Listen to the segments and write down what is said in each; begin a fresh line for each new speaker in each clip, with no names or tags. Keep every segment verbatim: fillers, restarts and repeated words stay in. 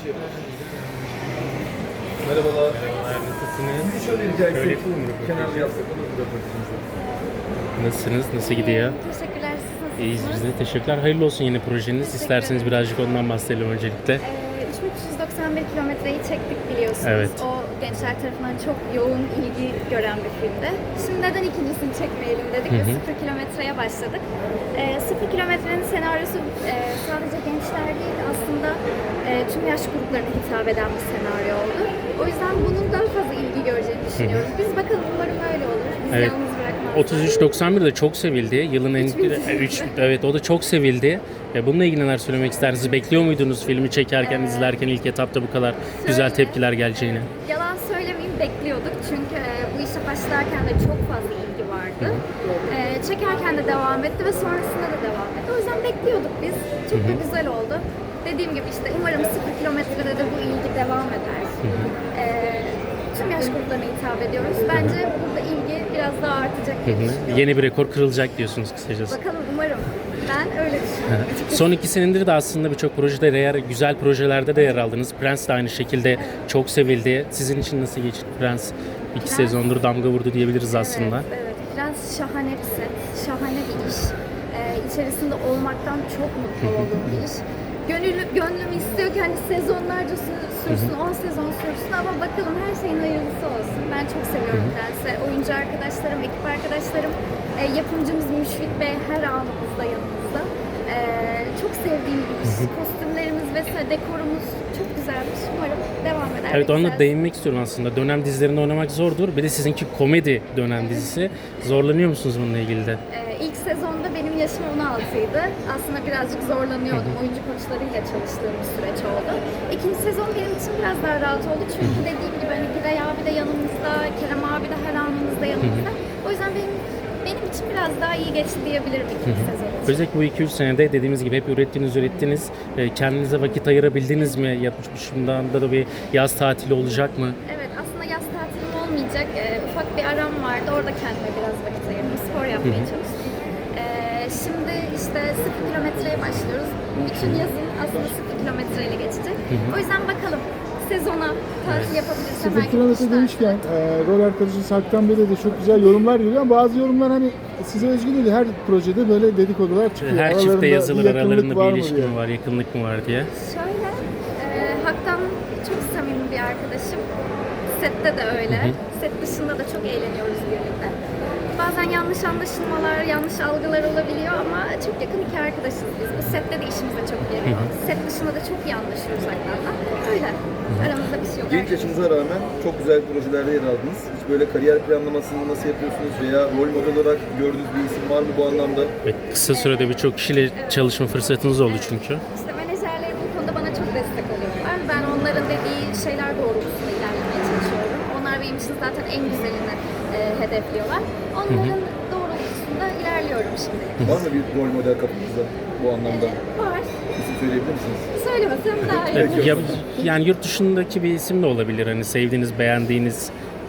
Merhabalar.
Merhabalar, nasılsınız?
Şöyle rica etsek,
Şöyle yapalım mı?
kenarda yapsak olur mu röportajımızı?
Nasılsınız? Nasıl gidiyor?
Teşekkürler, siz nasılsınız?
İyiyiz biz de. Teşekkürler. Hayırlı olsun yeni projeniz. İsterseniz birazcık ondan bahsedelim öncelikle.
Ee, üç bin üç yüz doksan bir kilometreyi çektik biliyorsunuz.
Evet.
O gençler tarafından çok yoğun ilgi gören bir filmdi. Şimdi neden ikincisini çekmeyelim dedik ve sıfır kilometreye başladık. Ee, sıfır kilometrenin senaryosu e, sadece gençler değil aslında e, tüm yaş gruplarına hitap eden bir senaryo oldu. O yüzden bunun daha fazla ilgi göreceğini düşünüyoruz. Biz bakalım umarım öyle olur. Biz
Evet.
yalnız bırakmazlar.
otuz üç doksan bir de çok sevildi. Yılın en üç evet o da çok sevildi. E, Bununla ilgili neler söylemek istersiniz? Bekliyor muydunuz filmi çekerken,
Evet.
izlerken ilk etapta bu kadar güzel
Şöyle,
tepkiler geleceğini?
e, Yalan söylemeyeyim bekliyorduk çünkü e, bu işe başlarken de çok fazla ilgi vardı. E, çekerken de devam etti ve sonrasında da devam etti. O yüzden bekliyorduk biz. Çok da güzel oldu. Dediğim gibi işte umarım sıfır kilometrede de bu ilgi devam eder. E, tüm yaş gruplarına hitap ediyoruz. Bence burada ilgi biraz daha artacak diye düşünüyorum.
Yeni bir rekor kırılacak diyorsunuz kısacası.
Bakalım umarım. Ben öyle düşünüyorum. açıkçası.
Son iki senedir de aslında birçok projede yer, güzel projelerde de yer aldınız. Prens de aynı şekilde çok sevildi. Sizin için nasıl geçti Prens? İki
Prens-
sezondur damga vurdu diyebiliriz aslında.
Evet, evet. Prens şahane bir set, şahane bir iş. Ee, içerisinde olmaktan çok mutlu olduğum bir iş. Gönül, gönlüm istiyor ki hani sezonlarca sü- sürsün, on sezon sürsün ama bakalım her şeyin hayırlısı olsun. Ben çok seviyorum Prens'i. Oyuncu arkadaşlarım, ekip arkadaşlarım, e, yapımcımız Müşfik Bey her anımızda yanımızda. E, çok sevdiğim bir iş. Kostümlerimiz vesaire, dekorumuz çok güzelmiş. Umarım devam eder.
Evet,
ve
onunla
güzel.
değinmek istiyorum aslında. Dönem dizilerinde oynamak zordur. Bir de sizinki komedi dönem dizisi. Zorlanıyor musunuz bununla ilgili de?
Ee, ilk sezonda benim yaşım on altıydı. Aslında birazcık zorlanıyordum. Oyuncu koçlarıyla çalıştığım bir süreç oldu. İkinci sezon benim için biraz daha rahat oldu. Çünkü dediğim gibi hani Giray abi de yanımızda, Kerem abi de her anımızda yanımızda. O yüzden benim benim için biraz daha iyi geçti diyebilirim ikinci sezon için.
Özellikle bu iki üç senede dediğimiz gibi hep ürettiniz ürettiniz. E, Kendinize vakit ayırabildiniz mi? Yapmışımdan da bir yaz tatili olacak mı?
Evet, aslında yaz tatilim olmayacak. Ee, ufak bir aram vardı. Orada kendime biraz vakit ayırdım. Spor yapmaya çalıştım. Ee, şimdi işte sıfır kilometreye başlıyoruz. Bütün yazın aslında sıfır kilometreyle geçecek. O yüzden bakalım sezona tatil yapabilirsem
Sıfır
belki
kilometre
kışlar-
demişken e, rol arkadaşı Serkan Bey'le de çok güzel yorumlar geliyor ama bazı yorumlar hani size özgü değil, her projede böyle dedikodular çıkıyor.
Her
Aralarında
çifte yazılır
yakınlık
aralarında
var
bir
mı
ilişki
diye.
mi var, yakınlık mı var diye.
Şöyle, e, Hak'tan çok samimi bir arkadaşım. Sette de öyle. Set dışında da çok eğleniyoruz birlikte. Bazen yanlış anlaşılmalar, yanlış algılar olabiliyor ama çok yakın iki arkadaşız biz. Bu sette de işimize çok geliyor. Set dışında da çok iyi anlaşıyoruz Hak'tan'la. Öyle. Aramızda bir şey yok.
Genç yaşınıza rağmen çok güzel projelerde yer aldınız. Hiç böyle kariyer planlamasını nasıl yapıyorsunuz veya rol model olarak gördüğünüz bir isim var mı bu anlamda?
Ve kısa sürede birçok kişiyle çalışma fırsatınız oldu çünkü.
İşte menajerlerim bu konuda bana çok destek oluyorlar. Ben onların dediği şeyler doğrultusunda ilerlemeye çalışıyorum. Onlar benim için zaten en güzelini e, hedefliyorlar. Onların doğrultusunda ilerliyorum şimdilik.
Var mı bir rol model kapınızda bu anlamda?
Var.
İsim söyleyebilir misiniz?
Söylemesem daha iyi.
Evet, ya, yani yurt dışındaki bir isim de olabilir. Hani sevdiğiniz, beğendiğiniz.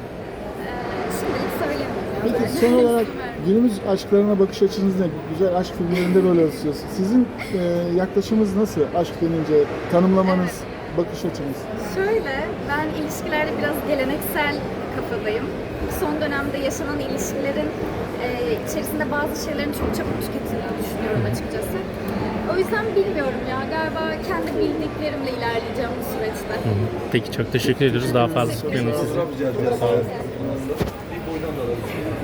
Ee, şimdilik söylemiyorum.
Peki
Ben.
son olarak
İsim vermeyeyim.
günümüz aşklarına bakış açınız ne? Güzel aşk filmlerinde rol alıyorsunuz. Sizin e, yaklaşımınız nasıl? Aşk denince tanımlamanız, bakış açınız.
Şöyle, ben ilişkilerde biraz geleneksel kafadayım. Son dönemde yaşanan ilişkilerin e, içerisinde bazı şeylerin çok çabuk tüketildiğini düşünüyorum açıkçası. O yüzden bilmiyorum ya, galiba kendi bildiklerimle ilerleyeceğim bu süreçte.
Peki çok teşekkür ediyoruz. Daha fazla tutmayalım sizi.
Fotoğraf rica edeceğiz.